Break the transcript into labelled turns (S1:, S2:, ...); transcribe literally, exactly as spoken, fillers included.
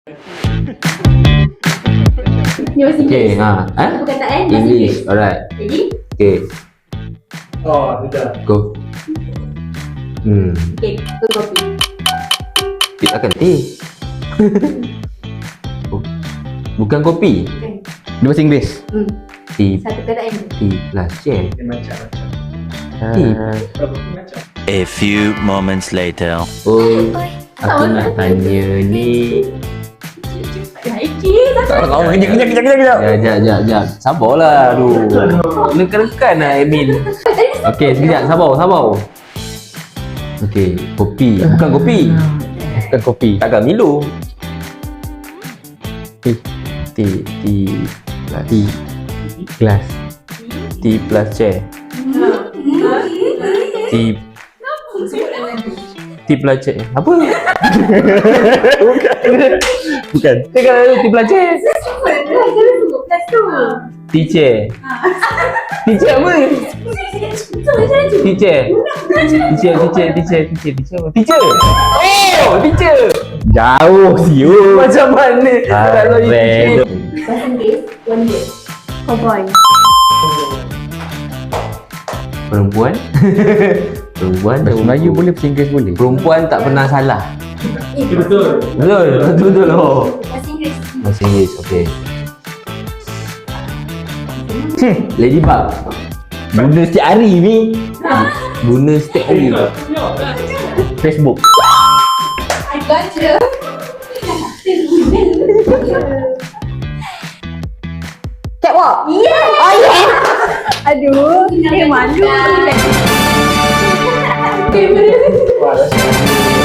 S1: Ni masih
S2: Okay,
S1: English.
S2: ha. Eh?
S1: Perkataan bahasa
S2: English.
S1: Inggeris.
S2: Alright.
S1: Jadi,
S2: Okay,
S3: Oh, sudah.
S2: go. Hmm.
S1: okay, tu kopi.
S2: Teh akan teh. Oh, bukan kopi.
S1: Kan?
S4: Dia bahasa Inggeris.
S1: Hmm.
S2: Tea,
S1: Satu perkataan je.
S2: tea plus chair.
S3: Dia macam-macam.
S2: Tea.
S3: Kalau kopi macam.
S5: A few moments later.
S2: Oh, aku nak tanya ni.
S1: Haiki,
S4: Tak tahu. Kejap, kejap, kejap, kejap, kejap.
S2: Jap, jap, jap, jap. Sabarlah. Aduh. Nekan-nekan lah Emil. Okey, sekejap. Sabar, sabar. Okey, kopi. Bukan kopi.
S4: Bukan kopi.
S2: Takkan Milo.
S4: Tea.
S2: Tea, tea plus
S4: Tea. Glass.
S2: tea plus chair. Tea tea plus chair. Apa?
S4: Bukan.
S2: Dia kata tea plus chair.
S1: Jangan sebut plus tu.
S2: Tea chair. Tea chair apa? Teacher. Teacher, teacher, teacher, teacher, teacher. Teacher. Oh, teacher.
S4: Jauh siul.
S2: Macam mana kalau you teacher?
S1: Bahasa Inggeris, one word. Cowboy.
S2: Perempuan. Perempuan.
S4: Bahasa Melayu boleh, bahasa Inggeris boleh.
S2: Perempuan tak pernah salah.
S1: Eh,
S3: Itu betul.
S2: Betul, betul betul. Oh.
S1: bahasa Inggeris.
S2: Bahasa Inggeris, okey. Ladybug. Guna setiap hari ni. Guna setiap hari. Facebook.
S1: I gotcha. Catwalk. Yeah. Oh yeah. Aduh, eh malu.
S3: Wah, dah siap.